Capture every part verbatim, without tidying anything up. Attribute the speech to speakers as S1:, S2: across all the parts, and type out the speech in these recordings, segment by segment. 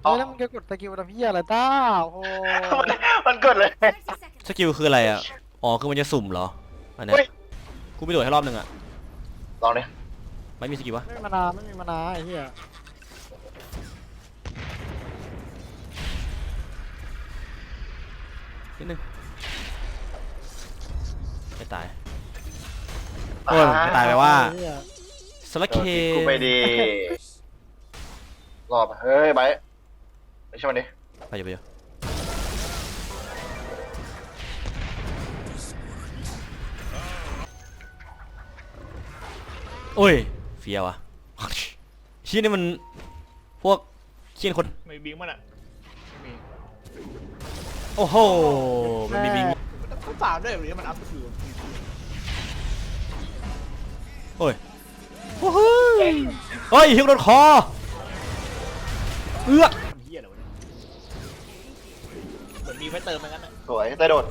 S1: เฮ้ยแล้วมึงจะกดสกิลทำเพี้ยอะไรต้าโอ้โห
S2: มันมันเกิดเลย
S3: สกิลคืออะไรอ่ะอ๋อคือมันจะสุ่มเหรออันเนี้ย
S2: เฮ้ย
S3: กูไปโดดให้รอบหนึ่งอ่ะ
S2: ลองดิ
S3: ไม่มีสกิลวะ
S1: ไม่มีมานาไม่มีมานาไอ้เหี้ย
S3: นิดนึงไม่ตายโอ้ยไม่ตายไปว่า
S1: ไอ้เหี้ย
S3: สลักเค
S2: กูไปดีรอบเฮ้ยไบร์ทไปช่วยมันดิ
S3: ไปอยู่ไปอยู่โอ้ยเฟียวอ่ะชี้นี่มันพวกเขี้ยนคน
S4: ไม่บิงมันอ่ะไม่มี
S3: โอ้โหมันมีบิง
S4: มันต้องฝากด้วยหรือมันอัพสกิล
S3: โอ้ยโอ้โหเฮ้ยฮิวโดนคอเอื้อ
S4: ทำเหี้ยอะไรวะเนี่ยเหมือนมีไว้เติมเหมือนกันนะ
S2: สวยได้โดด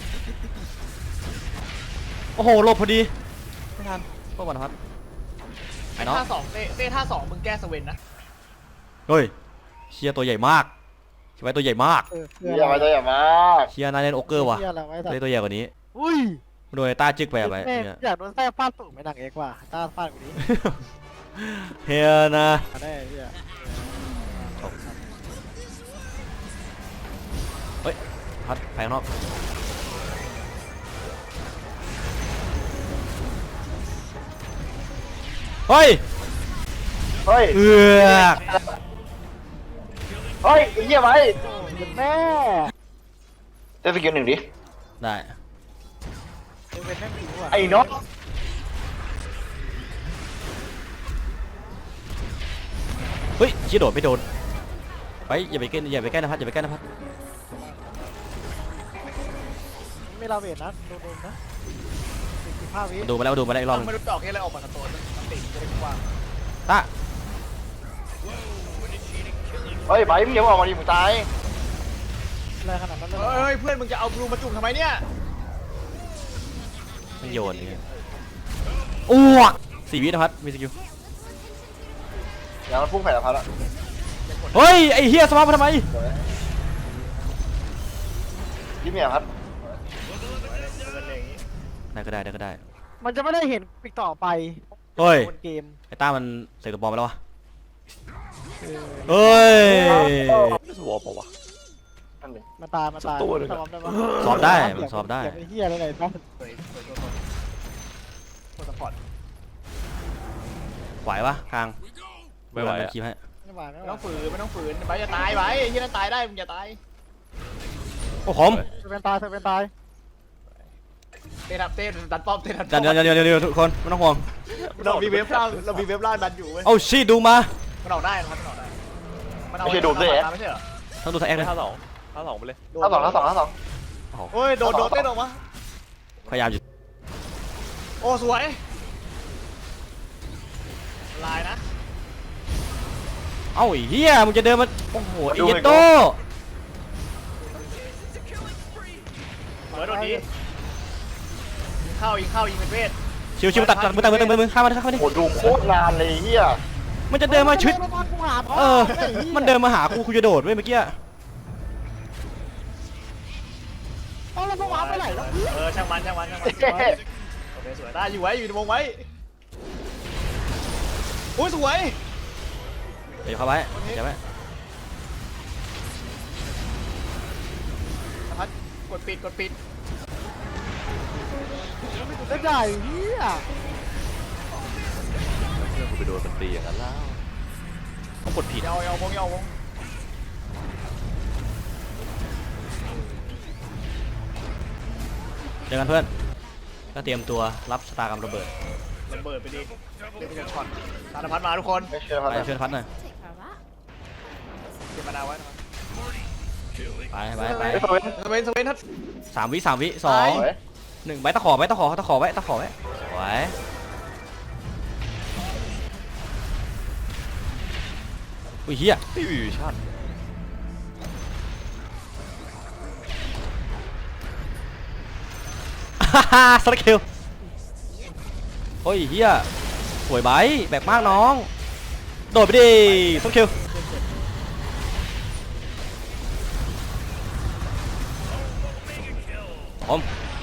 S3: โอ้โหหลบพอดีไม่ทันพวกมันครับไอ้
S4: ไอ้
S3: น้อง
S4: ท่าสองเต้เต้ท่าสองมึงแก้สเวนนะ
S3: เฮ้ยเชียตัวใหญ่มากเชียไว้ตัวใหญ่มาก
S1: เออ
S2: เยี่ยมไปตัวใหญ่มาก
S3: เชียนายเล่นโอเกอร์ว่ะ
S1: เหี้ยอะไรไว้แต่
S3: เล่นตัวใหญ่กว่านี้
S1: อุ้ย
S3: โดนไอ้ต้าจึกไปอะไป
S1: แม่ง
S3: เนี่ย
S1: อยากโดนแท้ฟาดตุ่มไม่หนังเอกว่ะต้าฟาดกว่านี้
S3: เฮียนะ
S1: มาได้ไอ้เหี้ย
S3: เฮ้ยพัดไปข้างนอกเฮ้ย
S2: เฮ้ย
S3: เอือก
S2: เฮ้ยไอ้เหี้ยไบร์ท
S1: แม่
S2: เต้นสกิลหนึ่งดิ
S3: ได้
S1: เอเวนแม่งผิวอ่ะ
S2: ไอ้น็อต
S3: เฮ้ยชี้โดดไม่โดนไปอย่าไปใกล้อย่าไปใกล้นะพัดอย่าไปใกล้นะพัด
S1: ไม่ลาเวทนะโดนโดนนะสี่สิบห้าวิ
S3: มันดูมาแล้วมันดูมาแล้วอีกรอบหนึง
S4: ไม่รู้ดอกแค่อะไรออกมากับตัวมันติดจะได้กว้าง
S3: ต้า
S2: เฮ้ยไบร์ทมึงอย่าออกมาดิมึงตาย
S1: อะไรขนาดนั้นเลยเหรอ
S4: เฮ้ยเพื่อนมึงจะเอาบลูมาจุ่มทำไมเนี่ย
S3: ไม่โยนนี่อ้วกสี่วินะพัดมีสกิล
S2: อย่างมันพุ่งแผ่นพัดอะ
S3: เฮ้ยไอ้เฮียสมาร์ทมาทำไม
S2: สวยยิ้มอย่างพัด
S3: ได้ก็ได้ได้ก็ได้
S1: มันจะไม่ได้เห็นปีกต่อไป
S3: เฮ้ย
S1: บนเกม
S3: ไอ้ต้ามันใส่ตัวบอลไปแล้ววะ
S1: เออ
S3: เฮ้ย
S5: สวอปวะ
S2: นั่นหนึ่ง
S1: มาตายมาตาย
S5: สักตัวหนึ่งอะ
S1: ซ้อมได้ปะ
S3: สอบได้มันสอบได้
S1: อย่าไปเฮียอะไรเลยนะ
S4: สวยสวยตัวตนตัวสปอร์ต
S3: ไหวปะคาง
S5: ไม่ไหว
S3: มัน
S5: อะ
S3: คีบให้
S1: ไม่ไหวไม่
S4: ไม่
S1: ไหว
S4: ต้องฝืนไม่ต้องฝืนไปอย่าตายไปที่นั่นตายได้มึงอย่าตาย
S3: โอ้ขม
S1: เธอเป็นตายเธอเป็นตาย
S4: เต้นเต้นดันป้อมเต้นดัน
S3: เดี๋ยวเดี๋ยวเดี๋ยวเดี๋ยวทุกคนไม่ต้องห่วง
S4: เรามีเว็บล่างเรามีเว็บล่างดันอยู่เว้ย
S3: เอาชีดูมา
S4: มันออกได้นะครับมันออกได้มันเอาไม่ใช่เหรอ
S3: ต้องดูสแอ็กเลย
S5: ท่าสองท่าสองไปเลย
S2: ห้าสองห้าสองห้าสอง
S4: โอ้ยโดนโดนเต้นออกมา
S3: พยายามอยู่
S4: โอ้สวยลายนะ
S3: เอ้าไอ้เฮียมึงจะเดินมาโอ้โหไอ้เหี้ยโต
S4: เหมือนโดนนี้เข้ายิงเข้ายิงเป็นเวท
S3: ชิวชิวตัดตัดมือตัดมือตัดมือมือข้ามมาข้ามมาดิ
S2: โหดูโคตรนานเลยไอ้เหี้ย
S3: มันจะเดินมาชิด
S1: เดินมากูหาพ่อ
S3: เออ
S1: ไอ้หี้ย
S3: มันเดินมาหากูกูจะโดดเว้ยเมื่อกี้
S1: เอาแล้วพวกวาร์ปไปไหนแล้วเพื่อน
S4: เออช่างมันช่างมันช่างมันโอเคสวยได้อยู่ไว้อยู่ในวงไว้โอ้ยสวย
S3: เดี๋ยวเข้าไว้เดี๋ยวไว้
S4: พัดกดปิดกดปิด
S1: ได้ใหญ่เฮีย
S5: เพื่อนกูไปโดนมันตีอย่างนั้นแล้ว
S3: ต้องกดผิด
S4: ยาวยาววงยาววง
S3: เจอกันเพื่อนก็เตรียมตัวรับสตาร์กรรมระเบิด
S4: ระเบิดไปดิเล่นเป็นช็อตสารพัดมาทุกคน
S2: ไม่เชื่อพัด
S3: ไป
S2: อะ
S3: ช่วยพัดหน่อย
S4: เก็บมานาวไว้นะครับ
S3: ไปไปไป
S2: เฮ้ยสวย
S4: สเวนสเวนทัด
S3: สามวิสามวิสอง
S2: สวย
S3: หนึ่งใบตะขอไว้ตะขอตะขอไว้ตะขอไว้สวยอุ้ยเฮีย
S5: ตีวิวชั่น
S3: ฮ่าฮ่าสกิลโอ้ยเฮียสวยใบแบบมากน้องโดดไปดิสกิลอม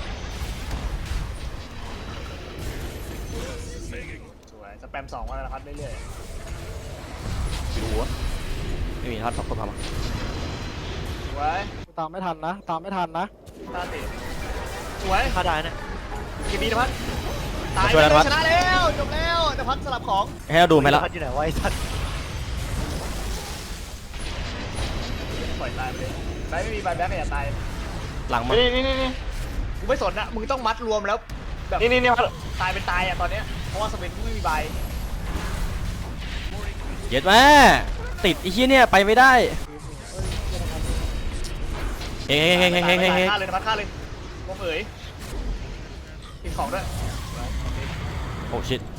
S4: สวยสแปมสองวันละพัดเรื่อย
S5: ดูวะ
S3: ไม่มีทัดพักคนพามา
S4: ๆสวย
S1: กูตามไม่ทันนะตามไม่ทันนะ
S4: ตาติสวย
S1: ฆ่าได้นะ
S4: กินดีนะพัดตายไปเลยชนะแล้วจบแล้วนภัสสลับของ
S3: ให้เราดูไหมล่ะ
S1: พัดอยู่ไหนวะไอ้สัตว์
S4: ปล่อยตายไปเลยไบไม่มีใบแบ๊ไม่อยากตาย
S3: หลังมา
S2: นี่นี่นี่นี่
S4: กูไม่สนนะมึงต้องมัดรวมแล้วแบบ
S2: นี่นี่นี่พัด
S4: ตายเป็นตายอ่ะตอนเนี้ยเพราะว่าสเปนไม่มีใบ
S3: เย็ดแม่ติดไอ้เหี้ยเนี่ยไปไม่ได้เฮ้ยเฮ้ยเฮ้ยเฮ้ยเฮ้ยเฮ้ยเฮ้ย
S4: ฆ่าเลยนภัสฆ่าเลยวงเอ๋ยกินของด้วย
S3: โอ้ชิต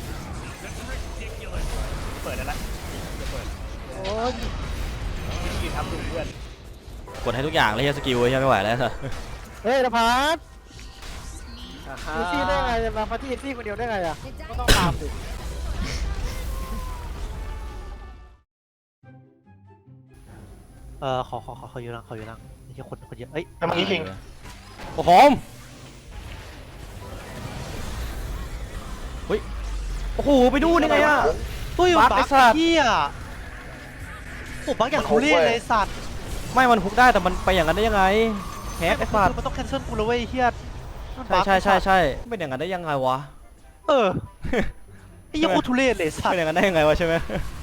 S4: เปิดแล้วนะเปิด
S1: โอ้ย
S4: วิธีทำดูเพื่อน
S3: กดให้ทุกอย่างเลยเฮียสกิลเฮียไม่ไหวแล้ว
S1: เฮ้ยนภัส
S4: อ่าฮะ
S1: อีซี่ได้ไงจะมาพัดที่อีซี่คนเดียวได้ไงอ่ะก็ต้องตามสิเออขอขอขอขออยู่นั่งขออยู่นั่งนี่แค่คนคนเยอะเอ้ย
S2: ทำไมคิง
S3: โอ้โหเฮ้ยโอ้โหไปดูนี่ไงอ่ะ
S1: ตุ้ย
S3: บักไอ้สัตว์
S1: เหี้ยโอ้บักอย่างทุเรศเลยสัตว์
S3: ไม่มันฮุกได้แต่มันไปอย่างนั้นได้ยังไงแฮกไอ้สัตว์
S1: มันต้องแคนเซิลกูเลยเว้ยเฮีย
S3: ใช่ใช่ใช่ใช่เป็นอย่างนั้นได้ยังไงวะ
S1: เออไอ้เหี้ยังกูทุเรศเลยสัต
S3: เป็น
S1: ว์
S3: อย่างนั้นได้ยังไงวะใช่ไหม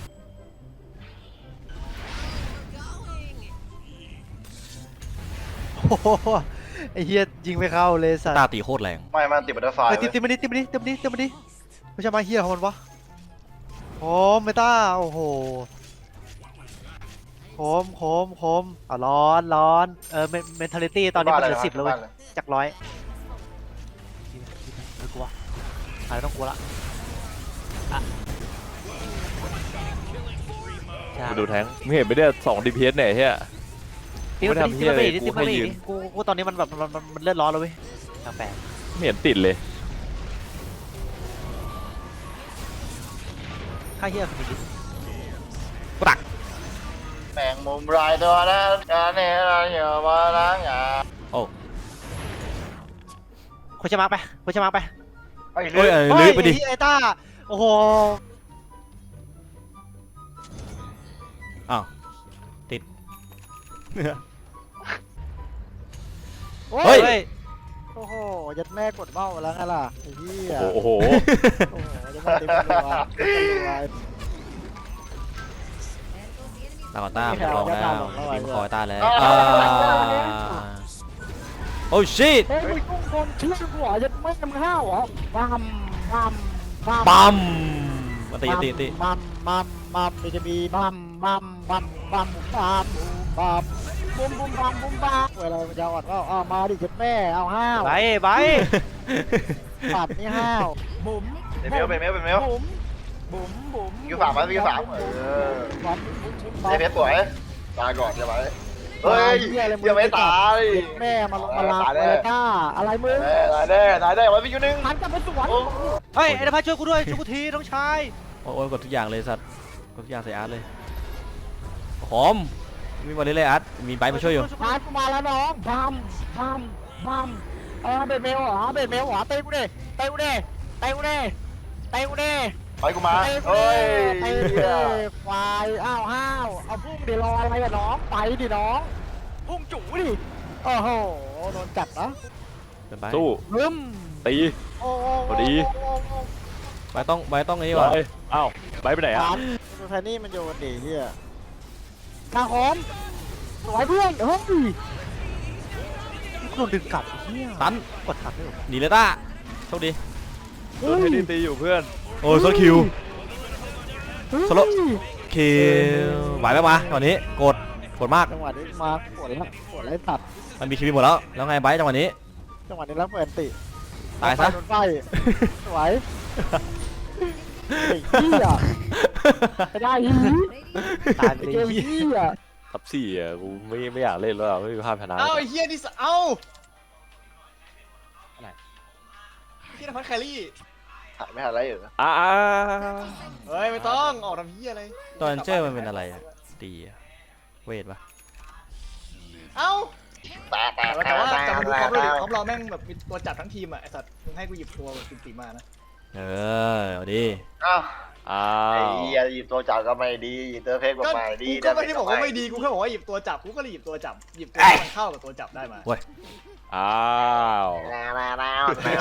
S1: โอ้โหไอ้เฮียยิงไม่เข้าเลยสัตว์
S3: ตาตีโคตรแรง
S2: ไม่มันติดบัตเตอร์ไฟ
S1: ไอ้ติมติมมาดิติมมาดิติมมาดิติมมาดิไม่ใช่มาเฮียของมันวะโคมไม่ต้าโอ้โหโคมโคมโคมอ่ะร้อนร้อนเออเมนทาลิตี้ตอนนี้มันเหลือสิบแล้วเว้ยจากร้อยไม่กลัวอะไรต้องกลัวละอ่ะใช่
S5: กูดูแทงไม่เห็นไม่ได้สองดีพีเอสเนี่ยเฮีย
S1: ติม
S5: ไม่
S1: มา
S5: ทำ
S1: ดิ
S5: เหี้
S1: ติม
S5: ย
S1: มา
S5: อะไร
S1: ดิ
S5: กู
S1: ติมมา
S5: ให้
S1: ดิ
S5: ยืน
S1: กูกูตอนนี้มันแบบมันมันเลือดร้อนแล้วเว้ยแปลก
S5: ไม่เห็นติดเลย
S1: ค่าเฮียคนนี้
S3: ปรัก
S2: แมงมุมรายตัวนั้นการเนี่ยเราอย่ามาล้างอ่ะ
S3: โอ้
S1: คุณจะมาไปคุณจะมาไป
S2: ไอ้
S3: เฮ้
S2: เรื่
S3: ย
S2: อง
S3: เออลื้อไปดิ
S1: ไอ้ต้าโอ้โห
S3: อ้าวติด
S1: เฮ้
S3: เฮ้
S1: ย
S3: ย
S1: โอ้โหยัดแม่กดเบ้าแล้วไงล่ะไอ้เหี้ย
S5: โอ้โห
S1: โอ้โหจะมาเต็มตัวเต็มตัว
S3: ตาก่อนต้าผมลองแล้วทีมคอยต้าแล้ว
S2: อ่า
S3: อ่าโอ้ชิต
S1: เฮ้ยมึงต้องคนชื่อหัวยัดแม่มึงห้าวเหรอบัมบัมบัม
S3: ปั๊มมาตีตีตี
S1: บัมบัมบัมมันจะมีบัมบัมบัมบัมบัมบัมบุมบุมบัมบุมบัมเวลามันจะอดก็เอามาดิยัดแม่เอาห้าวไปไปปัดนี่ห้าวบุ๋ม
S2: เป็นเมลเป็นเมลเป็นเมล
S1: บุ๋มบุ๋มบุ๋ม
S2: วิวสามไหมวิวสามเออ
S1: บุ๋มบุ๋มบุ๋มบุ๋ม
S2: ไอ้เพชรสวยตายก่อนเดี๋ยวไว้เฮ้ยยังไม่ตาย
S1: แม่มาลงมาลาเลยก้าอะไรมึง
S2: ตายแน่ตายแน่ไว้พี่ยูนึง
S1: หันกลับไปสวนเฮ้ยไอ้นภัสช่วยกูด้วยช่วยกูทีน้องชาย
S3: โอ้ยกดทุกอย่างเลยสัตว์กดทุกอย่างใส่อาร์ตเลยหอมมีบอลเลยอาร์ตมีไบค์มาช่วยอยู่
S1: อาร์ตกูมาแล้วน้องบัมบัมบัมเออเบดเมลเหรอเบดเมลเหรอเตะกูดิเตะกูดิเตะกูดิเตะกูดิ
S2: ไปกูมา
S1: เตะกู
S2: เฮ้
S1: ดิ
S2: ย
S1: เตะกูดิควายอ้าวห้าวเอาพุ่งดิรออะไรอะน้องไปดิน้องพุ่งจู่ดิโอ้โหโดนจัดนะ
S3: เป็นไบ
S5: สู้
S1: บึ้ม
S5: ตี
S1: โอ้
S5: พอดี
S3: ไบค์ต้องไบค์ต้องไอ้นี่
S5: ไป
S3: ว่ะ
S5: อ้าวไปไปไหนอ่ะ
S1: ดูแทนนี่มันโยนดิเฮียทางหอมสวยเพื่อนเฮ้ยโดนดึงกลับเฮีย
S3: ตัน
S1: กดทันด้วย
S3: หนีเลยต้าโชคดี
S5: โดนเทนนิสตีอยู่เพื่อน
S3: โอ้ยโซโลคิวโซโลคิวไหวไหมมาตอนนี้กดกดมาก
S1: จังหวะนี้มาปวดแล้วปวดแล้วตัด
S3: มันมีคิวหมดแล้วแล้วไงไบค์จังหวะนี้
S1: จังหวะนี้แล้วเปิดติ
S3: ตายซะ
S1: โดนไฟสวยไอ้เหี้ยไม่ได้ฮีตายไปเกมเหี้ย
S5: ทับสี่อ่ะกูไม่ไม่อยากเล่นแล้วอะไม่มีภาพชนะ
S4: เอ้าไอ้เฮียนี่เอ้าอะไรเฮียนภัสแครี่
S2: ถ่ายไม่ทันไรเหรอ
S5: อ่า
S4: เฮ้ยไม่ต้องออกทำเฮียอะไร
S3: ตอนเจอร์มันเป็นอะไรอะตีอะเวทปะ
S4: เอ้า
S2: แต่แต่
S4: แต่ว่า
S2: แต่
S4: แต่มาดูท็อป
S2: แต่
S4: เราดิท็อปเราแม่งแบบมีตัวจับทั้งทีมอ่ะไอ้สัตว์มึงให้กูหยิบตัวแบบติ่มๆมานะ
S3: เออเอาดิ
S2: อ้าว
S5: อ้า
S2: ไอ้
S5: ว
S2: เหี้ยหยิบตัวจับก็ไม่ดีหยิบตัวเพกก็
S4: ก็
S2: ไม่ดี
S4: กูก็ไม่ได้บอกว่าไม่ดีกูแค่บอกว่าหยิบตัวจับกูก็เลยหยิบตัวจับหยิบตัวที่มันเข้ากับตัวจับได้มา
S5: อ้าว
S2: แล้วแล้วแล้ว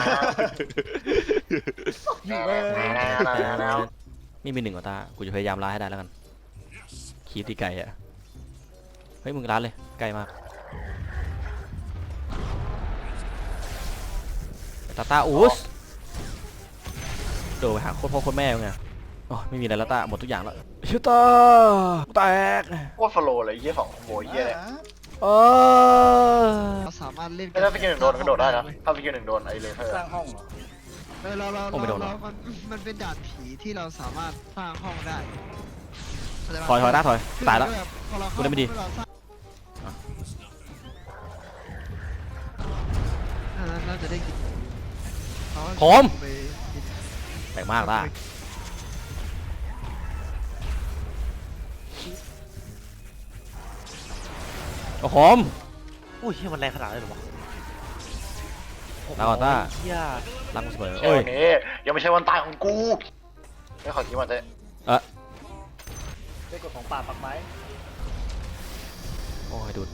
S2: แล้ว
S3: ไม่มีหนึ่งกว่าตากูจะพยายามล้าให้ได้แล้วกันคีบที่ไกลอะเฮ้ยมึงล้าเลยไกลมากตาตาอูสโดดไปหาโคตรพ่อโคตรแม่ไงโอ้ไม่มีอะไรแล้วตาหมดทุกอย่างแล้วชิวตาแตก
S2: โคตรฟโลเลยยี่ของโบยยี่เลย
S3: เออ
S1: เราสามารถเล่น
S2: ถ้าพี่กินหนึ่งโดนก็โดดได้นะถ้าพี่กินหนึ่งโดนไอ้เลเซอร์
S4: สร้างห้องเหรอ
S1: เออเราเราเรามันมันเป็นด่านผีที่เราสามารถสร้างห้องได้
S3: ถอยถอยตาถอยตายแล้ว กูได้ไม่ดี
S1: น่าจะได้กิน
S3: ผม แปลกมากตาโอ้โหม
S6: อุ้ยเหี้ยมันแรงขนาดนั้นเลยเหรอวะ
S3: ลาก่อนต้า
S6: เฮีย
S3: รักกูเสมอ
S2: โอ้
S3: โอ้
S2: ย
S3: ย
S2: ยังไม่ใช่วันตายของกูไม่ขอคิดว่าจะ
S4: ได้กดของป่าปักไม้
S3: โอ้ยดูด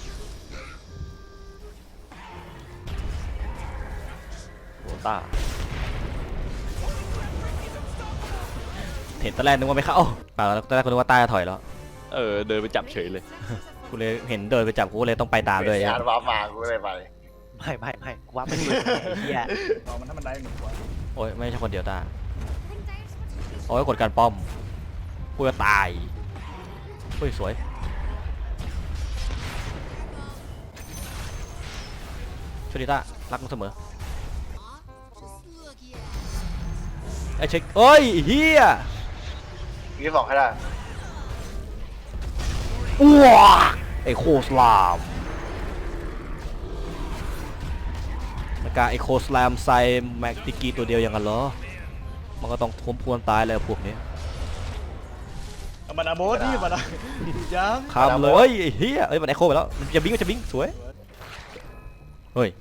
S3: โหต้าเห็นตอนแรกนึกว่าไม่เข้าเปล่าแล้วตอนแรกกูนึกว่าต้าจะถอยแล้ว
S5: เออเดินไปจับเฉยเลย
S3: กูเลยเห็นเดินไปจับกูเลยต้องไปตามด้วย
S2: ยานว้ามากูเลยไป
S6: ไม่ไม่ไม่กูว่าไม่ถูกไอ้เฮีย
S4: เอามันถ้ามันได้หนึ่งตัว
S3: โอ้ยไม่ใช่คนเดียวตาโอ้ยกดการป้อมกูจะตายเฮ้ยสวยช่วยดิต้ารักมึงเสมอไอ้เช็คเอ้ยเฮีย
S2: ยี่สองให้ได้
S3: อ้วไอ้โคสลามมากาไอ้โคสลามใส่แม็กติกีตัวเดียวอย่างนั้นเหรอมันก็ต้องทมพวนตายเลยพวกนี้
S4: เอามันอาโบสนี่มันอะยัง
S3: คำเลยไอ้เฮียเอ้ยมันไอโคไปแล้วมันจะบิงมันจะบิงสวยเฮ้ย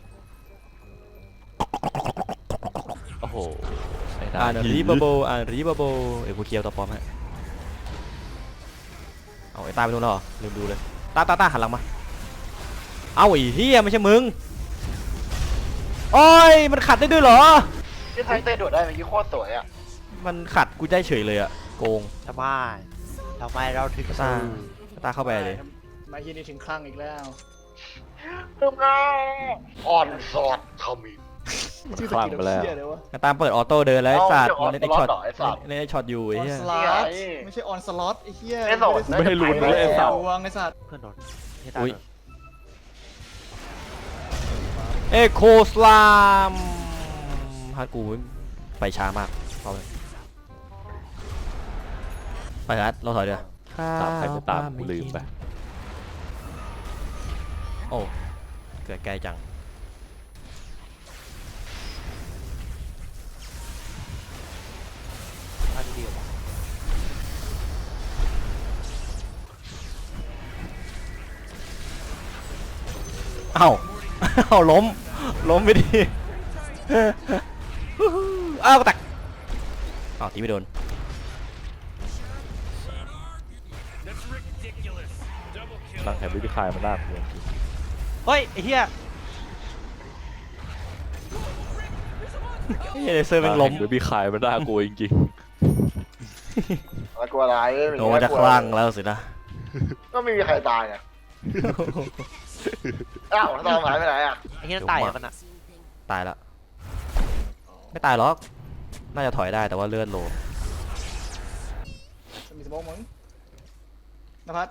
S5: โอ้โหไอ้
S3: อ่าน
S5: ผี
S3: รีบาโบอ่านรีบาโบเอ้ยกูเคียวตัวปลอมฮะเอาไอ้ตาไปดูแล้วเหรอลืมดูเลยตาตาตาหันหลังมาเอาไอ้เฮียไม่ใช่มึงโอ้ยมันขัดได้ด้วยเหรอ
S2: ที่ไทยเตะโดดได้เมื่อกี้โคตรสวยอ่ะ
S3: มันขัดกูได้เฉยเลยอะโกง
S6: ทำไมทำไมเราถึง
S3: ตาตาเข้าไปเลย
S4: มาเฮียนี่ถึงคลั่งอีกแล้ว
S2: ตึมแล้วอ่อนสอดทำอีก
S4: ชื่อสกิลเฮียเลยวะ
S3: ตามเปิดออโต้เดินแล้วไอ้สัตว์
S2: เอา
S3: เล่นไอ้
S2: เอา
S3: ช็อต
S2: เหรอไอ้สัตว์
S3: เล่นไอ้ช็อตอยู่
S4: อ
S3: ไอ้
S4: อน
S3: เหี้ย
S4: สล็อ
S2: นี่
S4: ต
S2: ไง
S4: ไม่ใช่ออนสล็อตไอ้เฮีย
S2: ไม่สน
S5: ไม่ให้ลุ้นเลยไอ้สัตว์
S4: ดวงไอ้สัตว์
S6: เพื่อนโดนเฮียตา
S3: อุ้ย
S6: โดน
S3: เอ็กโคสลามฮัดกูไปช้ามากเอาเลยไปฮัดเราถอยเดี๋ยว
S5: ตามใครไม่ตามกูลืมไป
S3: โอ้เกิดไกลจัง
S6: มาดีๆวะ
S3: เอ้า เอ้าล้มล้มไปดิอ้าวกระตักอ้าวตีไม่โดน
S5: ตั้งแถบวิธีคายมันน่ากลัวจริง
S6: เฮ้ยไอ้เฮีย
S3: เฮ้ยเลเซอร์แม่งล้ม
S5: วิธีคายมันน่ากลัวจริง
S2: แล้วกลัวอะไรไม่มี
S3: โดนจะคลั่งแล้วสินะ
S2: ก็ไม่มีใครตายไงอ้าวตามหายไปไหนอ่ะ
S6: ไอ้เฮียนั่นตายเหรอมันอะ
S3: ตายแล้วไม่ตายหรอกน่าจะถอยได้แต่ว่าเลือดโล
S4: มีสมองมั้งนภัส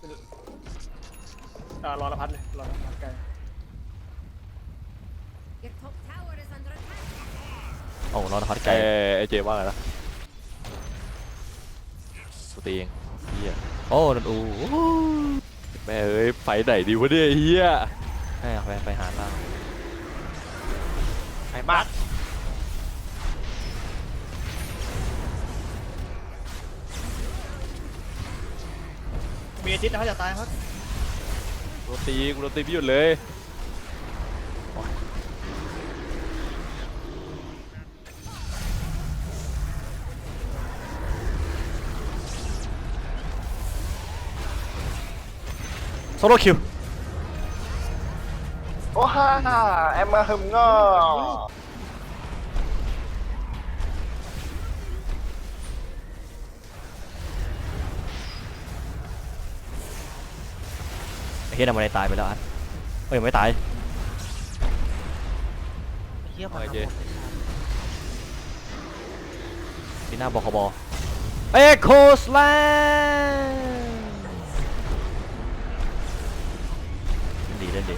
S4: อ่ารอนภัสเลยรอนภัสไกล
S7: Your top tower is under attack.
S3: โอ้รอดฮอต
S5: ๆ
S3: ไกล
S5: ไอ้ไอ้เจว่าไงนะสตีเองเฮีย
S3: โอ้โดนอู
S5: แม่เอ้ยไฟไหนดีวะเนี่ยเฮีย
S3: ให้ไปไปหาล่าง
S6: ไอ้มาก
S4: มีอาทิตย์นะเขาจะตายครับ
S6: กู
S5: โดนตีกูโดนตีไม่หยุดเลย
S3: โซโล่คิว
S2: โอ้ฮ่าแอมมาหึมง้อ
S3: ไอ้เฮียทำอะไรตายไปแล้วอัดเอ้ยยังไม่ตาย
S6: ไอ้เหี้ยมัน
S5: โอเค
S3: ปีหน้าบคบเอ็กโคสแลนดีเล่นดี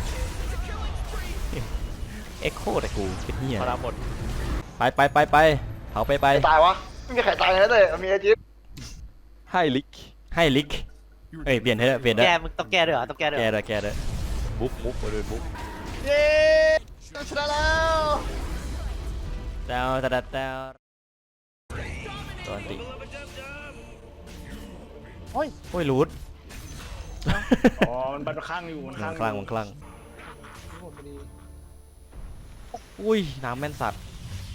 S3: เอ็กโคแต่กูเป็นเฮีย
S4: พลังหมด
S3: ไปไปไปไปเผาไปไป
S2: ใครตายวะไม่มีใครตายเลยเลยมีไอจิ๊บ
S5: ให้ลิก
S3: ให้ลิกเอ้ยเปลี่ยนเถอะเปลี่ยนเถ
S6: แก
S3: อะ
S6: มึงต้องแก้ด้วยเหรอต้องแก้ด้วย
S3: แก
S6: เหรอ
S3: เลยแกเลย
S5: มุกมุกมาเลยมุก
S2: เย้ชนะแล้ว
S3: ดาวดาวดาวตัวติ
S1: โอ้ย
S3: โอ้ยรูด
S4: อ๋อมันบันข้างอยู่มัน
S3: มั
S4: ข้าง
S3: นคลั่งมันคลั่งอุ้ยน้ำแม่นสัตว์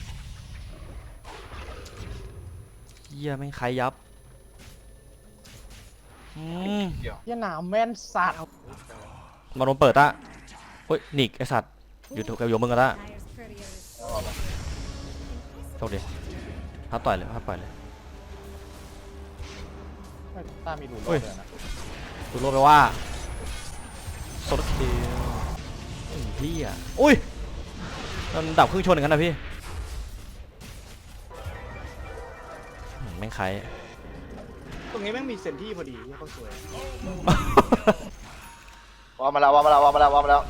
S3: เฮียแม่งใครยับอืม
S1: เหี้ยหนามแม่นสัตว์
S3: มาโดนเปิดตะเฮ้ยหนิกไอสัตว์อยู่ถูกกับโยมึงกันตะ
S7: Tire's courier is
S3: โชคดีพับต่อยเลยพับต่อยเลย
S1: ตามีหลุม
S3: เฮ้ย
S1: เลยนะ
S3: ดูโลไปว่าโซลคิวไอ้พี่อ่ะอุ้ยมันดับครึ่งชนอย่างนั้นนะพี่อืมแม่งใคร
S4: ตรงนี้แม่งมีเซนที่พอดีเนี่ยเขาสวย
S2: วางมาแล้ววางมาแล้ววางมาแล้ววางมาแล้ว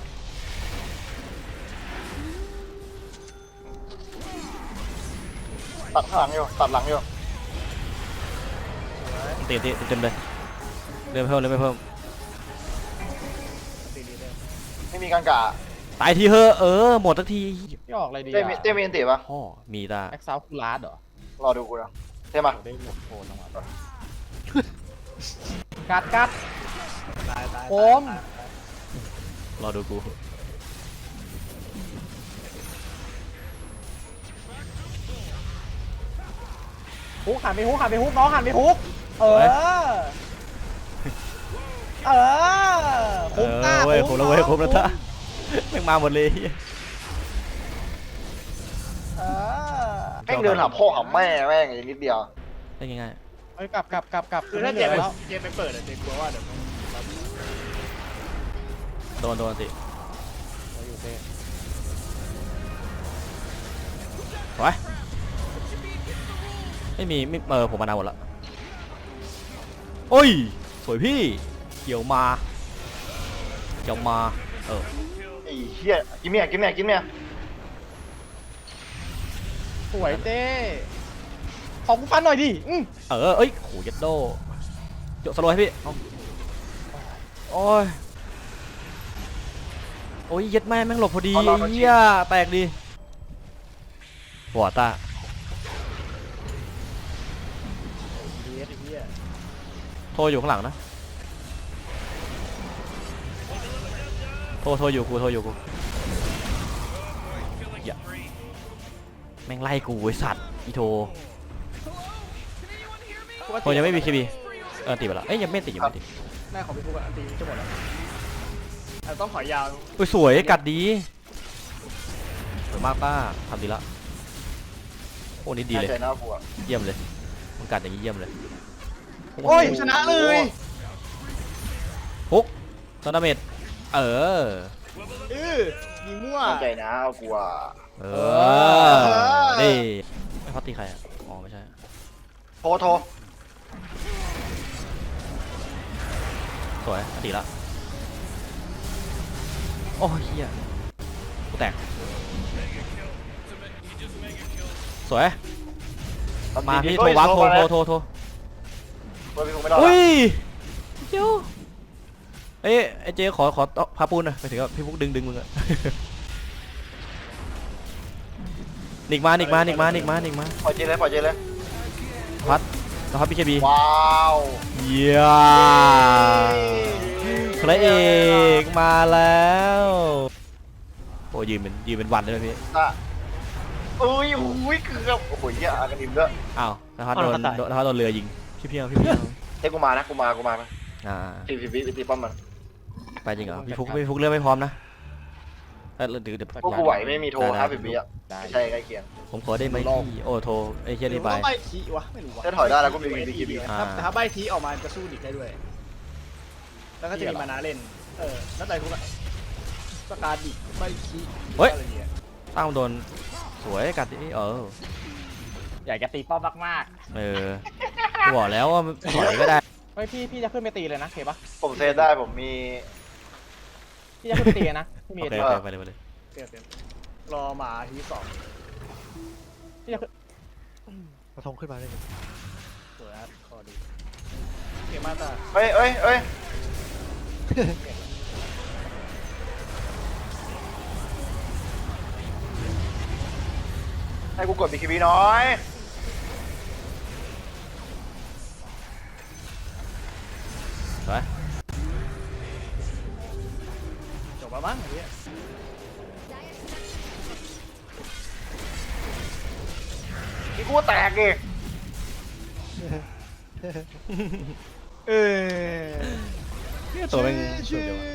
S2: ตัดข้างหลังอยู่ตัดหลังอยู่
S3: ตีตีเต็มเลยเริ่มเพิ่มเริ่มเพิ่ม
S4: ตีดีเลย
S2: ไม่มีกังกะ
S3: ตายทีเฮอะเออหมดสักที
S1: พี่ออกอะไรดี
S2: เต้มีเต้มีอันติปะ
S3: พ่อมีตา
S1: แอคซาวคูลาร์ดเหรอ
S2: รอดูกูนะเต้มา
S1: โอ้ได้หมดโคนลงมากัดกัด
S4: ตายตาย
S1: โอม
S3: รอดูกู
S1: ฮุกหันไปฮุกหันไปฮุกน้องหันไปฮุกเออเออ
S3: เอ
S1: คุ้ม
S3: อ
S1: ตา
S3: เว้ยผมแล้วเว้ยผมแล้วท่าแม่งมาหมดเลย
S1: เออ
S2: แม่งเดินหาพ่อหาแม่แม่งอีกนิดเดียว
S3: ได้ง่าย
S1: เฮ้ยกลับกลับกลับกลับ
S4: คือถ้าเจมไปเจมไปเปิดอะเจมกลัวว่าเดี๋ยว
S3: ๆโดนโดนสิ
S1: เราอยู่เต้
S3: ไว้ไม่มีไม่เออผมมานานหมดละโอ้ยสวยพี่เกี่ยวมาเกี่ยวมาเออ
S2: ไอ้เหี้ยกินเมียกินเมียกินเมีย
S1: สวยเต้ขอกูฟันหน่อยดิอืม
S3: เออเอ้ยโหยัดโดโยกสโลว์ให้พี่เอาโอ้ยโอ้ยยัดแม่แม่งหลบพอดีเฮียแตกดีหัวตา
S4: ดีเอสไอ้เหี้ย
S3: โทรอยู่ข้างหลังนะโทรโทรอยู่กูโทรอยู่กูอย่าแม่งไล่กูไอ้สัตว์อีโทรโทรยังไม่มีคีบีเออติดไปแล้วเอ้ยยังไม่ติดยังไม่ติด
S4: หน้าของพี่ฟุกอันตีจะหมดแล้วแต่ต้องขอยาว
S3: อุ้ยสวยกัดดีสวยมากป้าทำดีละโอ้นี่ดีเลย
S2: ใจน่ากลัว
S3: เยี่ยมเลยมันกัดอย่างนี้เยี่ยมเลย
S1: โอ้ยชนะเลย
S3: ฮุกซอนดาเมจเออ
S4: เออยิงมั่ว
S2: ใจน่ากลัว
S3: เออนี่ไม่พัดตีใครอ่ะอ๋อไม่ใช่
S2: โทรโทร
S3: สวยอันตีละโอ้ยเฮียกูแตกสวยมาพี่โทรวับโทรโทรโทรโทร
S2: โทรพี่คงไม่รอด
S3: อุ้ยเจ้าเอ้ยไอ้เจ๊ขอขอพาปูนหน่อยไปถึงกับพี่พุกดึงดึงมึงอะ นิกมานิกมานิกมานิกมานิกมา
S2: ปล่อยเจเลยปล่อยเจเลย
S3: พัดแล้วพัดพีเคบี
S2: ว้าว
S3: เยี่ยมพระเอกมาแล้วโอ้ยืนเป็นยืนเป็นวันเลยนะพี่
S2: อ่ะอุ้ยอุ้ยเกือบโอ้โหเหี้ยอากันดิมด้วย
S3: อ้าวนะครับโดนโดนนะครับโดนเรือยิงพี่เพียงพี่เพียง
S2: เฮ้ยกูมานะกูมากูมานะ
S3: อ่า
S2: ตีพีพีตีป้อมมัน
S3: ไปจริงเหรอพี่ฟุกพี่ฟุกเรือไม่พร้อมนะเออเดี๋ยวเดี๋ยว
S2: พวกกูไหวไม่มีโทรห้าสิบวิอ่ะไม่ใช่ใกล้เคียง
S3: ผมขอได้ไหมพี่โอ้โทรไอ้เชี่ย
S4: หรื
S3: นี่
S4: อ
S3: ไป
S4: ว่าใบทีวะไม่รู้วะ
S2: ถ้าถอยได้แล้วก็มีบีคีบี
S3: อ่า
S4: แต่ถ้าใบทีออกมาจะสู้ดิกได้ด้วย แล้วก็จะมีมานาเล่นเออแล้วแต่ทุกสกาดิใบทีอะไรเงี้ย
S3: ตั้งโดนสวยกัดดิเออ
S6: อยากจะตีป้อมมาก
S3: เออกูบอกแล้วว่าถอยก็ได้
S6: ๆเฮ้ยพี่พี่จะขึ้นไปตีเลยนะเคปะ
S2: ผมเซตได้ผมมี
S6: พี่จะขึ้นไปตีนะพี่มี
S3: โอเค
S6: ตี
S3: โอเคไปเลยไปเลย
S4: เปลี่ยนเปลี่ยนรอหมาทีสอง
S6: พี่จะขึ้น
S1: กระทงขึ้นมาเลย
S4: สวยนะคอดีเกมมาตา
S2: เอ้ยเอ้ยเอ้ยให้กูกดบีคีบีน้อย
S3: สวย
S4: จบแล้วมั้งไอ้เหี้ย
S2: นี่กูแตกดิ
S4: เออ
S3: ตัวเป็นสุดยอด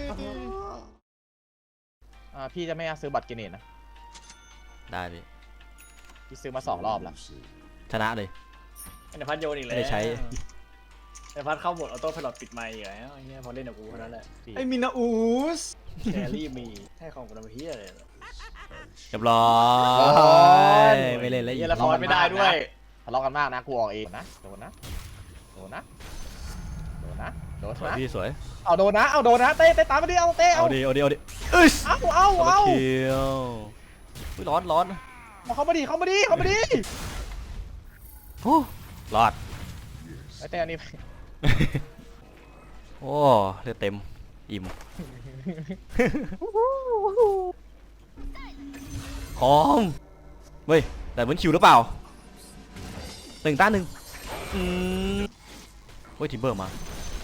S6: อ่าพี่จะไม่ซื้อบัตรเกเนตนะ
S3: ได้พี่
S6: พี่ซื้อมาสองรอบแล้ว
S3: ชนะเลย
S4: ไอ้พัดโยนอีกแล้ว
S3: ไม่ได้ใช้
S4: ไอ้พัดเข้าโหมดออโต้พายโอีกไมค์อีกแล้วไอ้เหี้ยพอเล่นกับกูเท่านั้นแหละ
S6: พี่
S4: ไอ้มินาอูสแครี่มีให้ของกูทำเหี้ยอะไร
S3: เรียบร้อยไม่เล่นแล้วอี
S4: เหี้
S3: ก
S4: ยละครไม่ได้ด้วย
S6: ทะเลาะกันมากนะกูออกเองนะโดนนะโดนนะโดนนะโดน
S3: สวย
S6: นะ
S3: พี่สวย
S6: เอาโดนนะเอาโดนนะเต้เต้ตามไปดิเอาเต้
S3: เอา
S6: เอา
S3: ดิเอาดิเอาดิเอ้ย
S6: เอาเอา
S3: เอา
S6: เอา
S3: เคียวอุ้ยร้อนร้อน
S6: มาเข้ามาดิเข้ามาดิเข้ามาดิ
S3: โอ้รอด
S6: ไอ้เต้อันนี้ไป
S3: โอ้เลือดเต็มอิ่มหอมเว้ยแต่เหมือนคิวหรือเปล่าหนึ่งต้านหนึ่งอืมเฮ้ยทิมเบอร์มา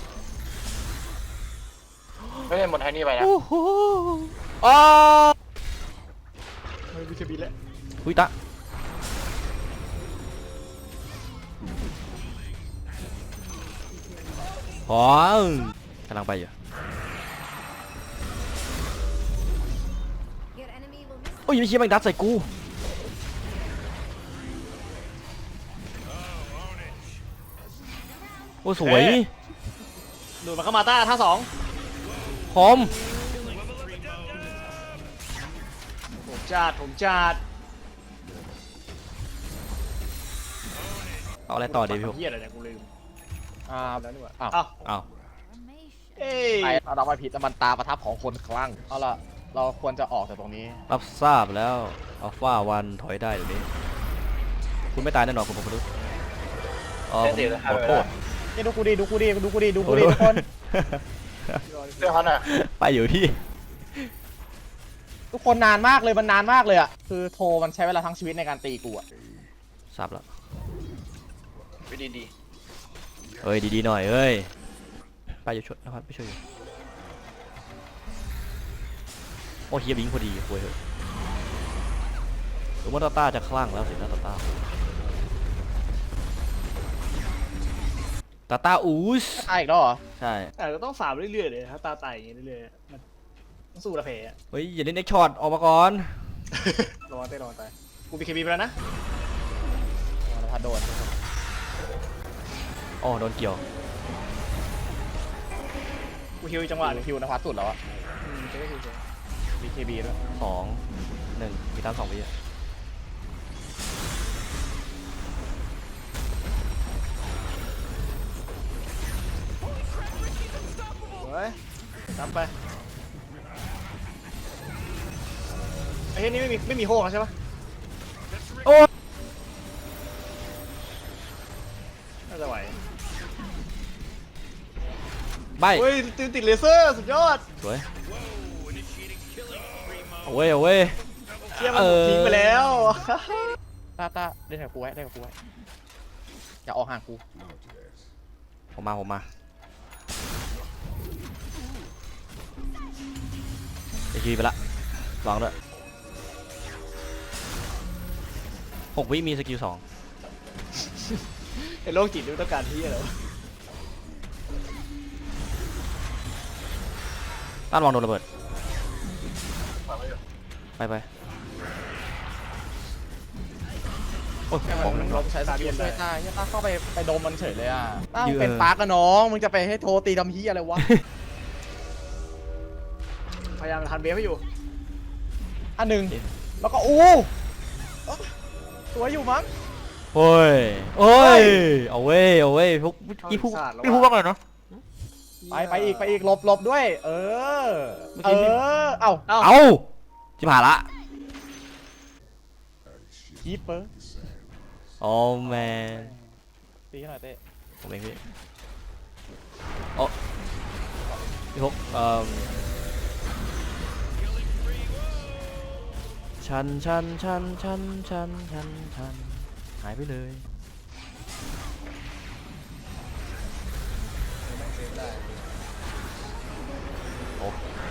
S2: ไม่ได้หมดไทนี่ไปนะ
S3: โอ้โหอ้า
S4: เฮ้ยวิเคบีแล้ว
S3: อุ้ยตะหอมกำลังไปอยู่
S7: Your enemy will miss
S3: โอ้ยไม่เชี่ยแม่งดัดใส่กูโอ้สวย
S4: ดูดมาเข้ามาต้าท่าสอง
S3: หอม
S4: ผมจัดผมจัด
S3: เอาอะไรต่อดีพี่ผม
S4: เหี้ยอะไรเนี่ยกูลืม
S6: อ่า
S4: แล้วนี่หว่า
S6: อ้าว
S4: อ้าว
S3: เอา
S7: formation.
S4: เอ้ย
S6: ไอ้เอาดอกไม้ผิดแต่มันตาประทับของคนคลั่งเอาล่ะเราควรจะออกจากตรงนี้
S3: รับทราบแล้วอัลฟาวันถอยได้เดี๋ยวนี้คุณไม่ตายแน่นอนคุณผมรู้อ๋อผมขอโทษ
S6: นี่ดูกูดิดูกูดิดูกูดิดูกูดิทุกคน
S2: เรื่องเขาน่ะ
S3: ไปอยู่ที่
S6: ทุกคนนานมากเลยมันนานมากเลยอ่ะคือโทรมันใช้เวลาทั้งชีวิตในการตีกูอ่ะ
S3: ทราบแล้ว
S2: วิดีดี
S3: เอ้ยดีๆหน่อยเอ้ยไปอยู่ช่วยนะครับไปช่วยอยู่โอ้เฮียบิงพอดีคุยเถอะหรือว่าตาต้าจะคลั่งแล้วสินะตาต้าตาต้าอูส
S6: ตายอีกแล้วเหรอ
S3: ใช่
S4: แต่ก็ต้องฟาร์มเรื่อยๆเลยถ้าตาไต่อย่างงี้เรื่อยๆมันต้องสู้ระเพอะ
S3: เฮ้ยอย่าเล่นเอ็กช็อตออกมาก่อน
S4: รอเต้รอตายกูบีเคบีไปแล้วนะ
S6: พัดโดน
S3: อ๋อโดนเกี่ยว
S4: กูฮิวอีกจังหวะหนึง
S6: คิวนภัสสุดแล้วอ่ะ
S4: อืมจะได้ฮิวเฉย
S6: บี เค บี ด้วย
S3: สองหนึ่งมีตามสองวิอะ
S4: เฮ้ยจำไปไอ้เฮ้ยนี่ไม่มีไม่มีโฮกแล้วใช่ปะ
S3: โอ้
S4: น่าจะไหว
S3: ใบ
S4: เฮ้ยติดติดเลเซอร์สุดยอด
S3: สวยเอาเว้ยเอาเว้ย
S4: เชี่ยมันทิ้งไปแล้ว
S6: ตาตาเล่นกับกูไว้เล่นกับกูไว้อย่าออกห่างกู
S3: ผมมาผมมาคีไปละลองด้วยหกวิมีสกิลสอง
S4: ไอ้โรคจิตนี่ต้องการที่อะไรวะ
S3: ต้านวางโดนระเบิดไปไปโอ้ย
S6: แค่
S3: ของ
S6: มัน
S3: หนึ่ง
S6: ล
S3: รอบ
S6: บใช้สกิลช่วยต้าเฮียต้าเข้าไปไปโดมมันเฉยเลยอ่ะต้ามึงเป็นปาร์กอะน้องมึงจะไปให้โทรตีทำเฮียอะไรวะ
S4: พยายามทันเบฟให้อยู่
S6: อันหนึ่งแล้วก็อู้สวยอยู่มั้ง
S3: โอ้ยโอ้ยเอาเว้ยเอาเว้ยพวกพี่พูดพี่พูดว่าไงเนาะ
S6: ไปไปอีกไปอีกหลบหลบด้วย เออ เออ เอ้า
S4: เอ้า
S3: เอาจิบหายละ
S6: คีปเปอร์
S3: โอ้แมน
S6: ตีให้หน่อยเต้
S3: ผมเองพี่โอ้พี่พกเอ่อชันชันชันชันชันชันชันหายไปเลยโอ้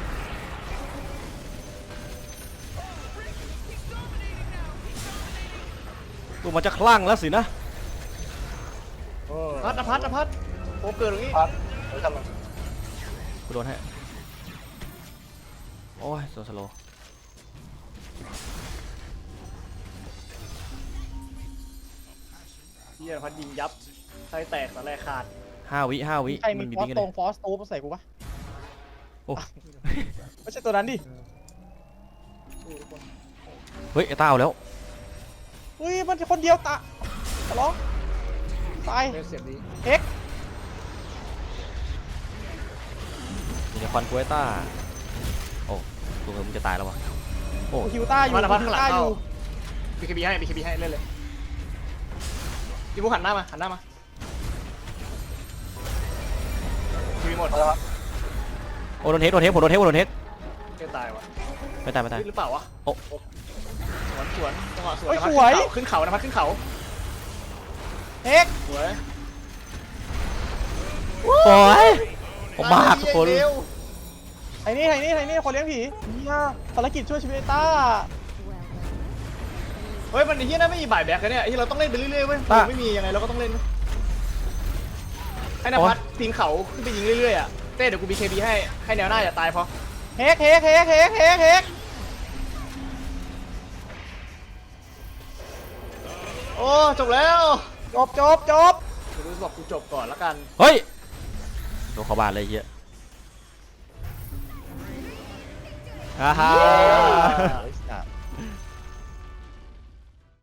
S3: ตัวมันจะคลั่งแล้วสินะ
S6: เออ
S4: พัดนะพัดนะพัดโอ้เกิดตรงนี้
S2: พัดเฮ้ยทำไม
S3: กูโดนให้โอ้ยโซสโล
S4: เฮียพัดยิงยับไส้แตกตะแรกขาด
S3: ห้าวิห้าวิ
S6: ใครมี
S3: มันมี
S6: ฟอ
S3: วิ่
S6: ส
S3: งกัน
S6: ต
S3: เล
S6: รง
S3: ย
S6: ฟอสตูปใส่กูปะ
S3: โอ้
S6: ไม่ใช่ตัวนั้นดิ
S3: เฮ้ยไอ้ต้าเอาแล้ว
S6: เฮ้ย มันคนเดียวตะขอร้องตาย
S4: เบฟเสียบดี
S6: เอ็ก
S3: อยู่ในควันกูไอ้ต้าโอ้ตัวมึงจะตายแล้ววะโอ้
S6: คิวต้าอยู่
S4: พัดนะพัด
S6: คิ
S4: ข้างหลัง
S6: วต้าอ
S4: เข้า
S6: ยู่
S4: บีเคบีให้บีเคบีให้เล่นเลยพี่บุ๊คหันหน้ามาหันหน้ามาทีวีหมด
S3: โอ้โดนเฮดโดนเฮดผมโดนเฮดผมโดนเฮด
S4: เกตายว่ะ
S3: ไม่ตายไม่ตาย
S4: หรือเปล่าวะ
S3: โอ้
S4: สวนสวนจังหวะสวน
S6: เฮ้ย
S4: นะพัด
S6: สวย
S4: ขึ้นเขานะพัดขึ้นเขา
S6: เอ็ก
S4: สวย
S3: โอ้ยผมมากทุกคน
S6: ไอ้นี่ไอ้นี่ไอ้นี่คนเลี้ยงผีเนี่ยภารกิจช่วยชีวิตไอ้ต้า
S4: เฮ้ยมันไอ้เหี้ยนั่นไม่มีบ่ายแบ็กกันเนี่ยไอ้ที่เราต้องเล่นไปเรื่อยๆเว้ยเราไม่มียังไงเราก็ต้องเล่นให้นภัสปีนเขาขึ้นไปยิงเรื่อยๆอ่ะเต้เดี๋ยวกูบีเคบีให้ให้แนวหน้าอย่าตายพอ
S6: เฮกเฮกเฮกเฮกเฮกเฮก
S4: โอ้จบแล้ว
S6: จบจบจบ
S4: เดี๋ยวกูบอกกูจบก่อนละกัน
S3: เฮ้ยโดนเข้าบ้านเลยไอ้เหี้ยฮ่าฮ่า
S6: เฮ้ยสัตว์